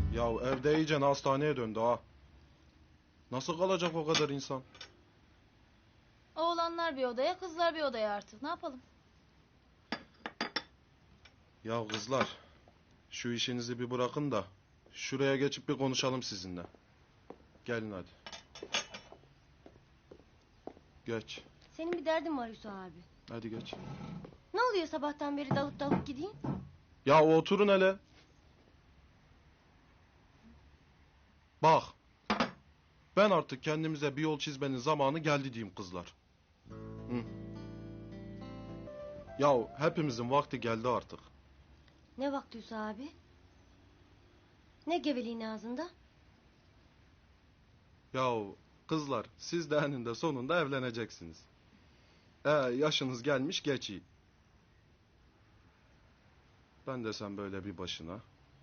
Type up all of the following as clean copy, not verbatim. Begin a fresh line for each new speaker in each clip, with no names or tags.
Ya evde iyice hastaneye döndü ha. Nasıl kalacak o kadar insan?
Oğlanlar bir odaya, kızlar bir odaya artık. Ne yapalım?
Ya kızlar, şu işinizi bir bırakın da şuraya geçip bir konuşalım sizinle. Gelin hadi. Geç.
Senin bir derdin var Yusuf abi.
Hadi geç.
Ne oluyor sabahtan beri dalıp dalıp gideyim?
Ya oturun hele. Bak. Ben artık kendimize bir yol çizmenin zamanı geldi diyeyim kızlar. Hı. Ya hepimizin vakti geldi artık.
Ne vakti Yusuf abi? Ne geveliğin ağzında?
Yahu kızlar siz de eninde sonunda evleneceksiniz. Yaşınız gelmiş geçi. Ben de sen böyle bir başına.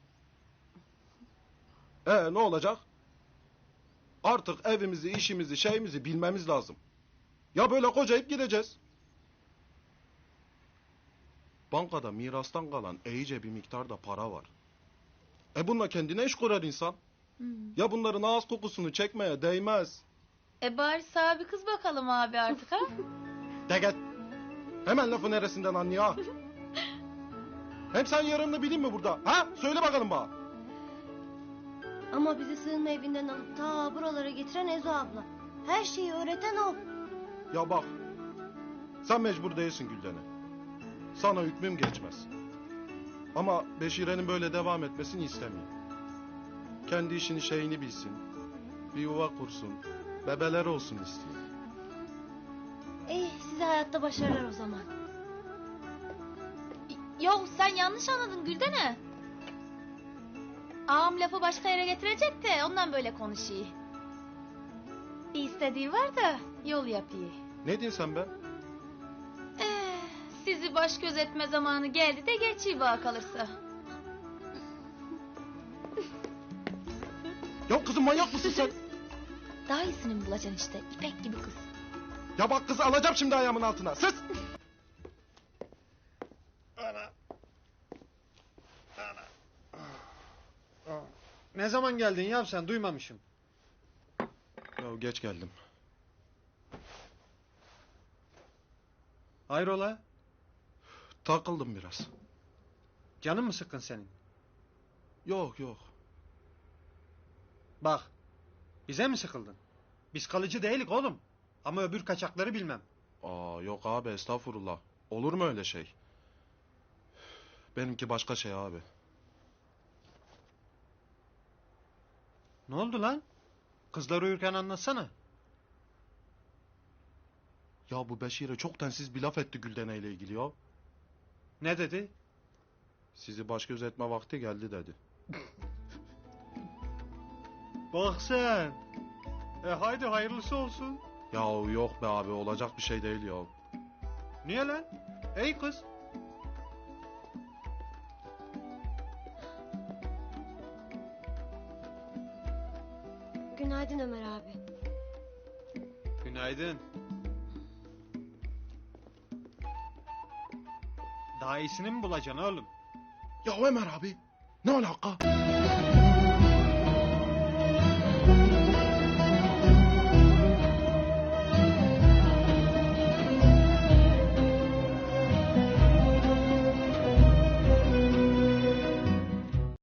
Ne olacak? Artık evimizi, işimizi, şeyimizi bilmemiz lazım. Ya böyle kocayıp gideceğiz. Bankada mirastan kalan iyice bir miktarda para var. Bununla kendine iş kurar insan. Ya bunların ağız kokusunu çekmeye değmez.
Bari sağa bir kız bakalım abi artık ha?
De git. Hemen lafı neresinden anlıyor ha? Hem sen yarınını bileyim mi burada? Ha? Söyle bakalım bana.
Ama bizi sığınma evinden alıp ta buralara getiren Ezo abla. Her şeyi öğreten o.
Ya bak. Sen mecbur değilsin Gülden'e. Sana hükmüm geçmez. Ama Beşire'nin böyle devam etmesini istemiyorum. Kendi işini şeyini bilsin. Bir yuva kursun. Bebeler olsun istiyor.
Size hayatta başarılar o zaman.
Yok sen yanlış anladın Güldene. Ağam lafı başka yere getirecek de ondan böyle konuşuyor. Bir istediği var da yol yapıyor.
Ne diyorsun sen be?
Sizi baş göz etme zamanı geldi de geçiyor bana kalırsa.
Ya kızım manyak mısın sen?
Daha iyisini mi bulacaksın işte İpek gibi kız.
Ya bak kızı alacağım şimdi ayağımın altına. Sus!
Ne zaman geldin ya sen, duymamışım.
Ya geç geldim.
Hayrola?
Takıldım biraz.
Canın mı sıkkın senin?
Yok yok.
Bak, bize mi sıkıldın? Biz kalıcı değilik oğlum. Ama öbür kaçakları bilmem.
Yok abi estağfurullah. Olur mu öyle şey? Benimki başka şey abi.
Ne oldu lan? Kızlar uyurken anlatsana.
Ya bu Beşir'e çok densiz bir laf etti Güldene ile ilgili ya.
Ne dedi?
Sizi baş göz etme vakti geldi dedi.
Bak sen. Haydi hayırlısı olsun.
Ya yok be abi olacak bir şey değil ya.
Niye lan? Ey kız.
Günaydın Ömer abi.
Günaydın. Daha iyisini mi bulacaksın oğlum?
Ya Ömer abi ne alaka?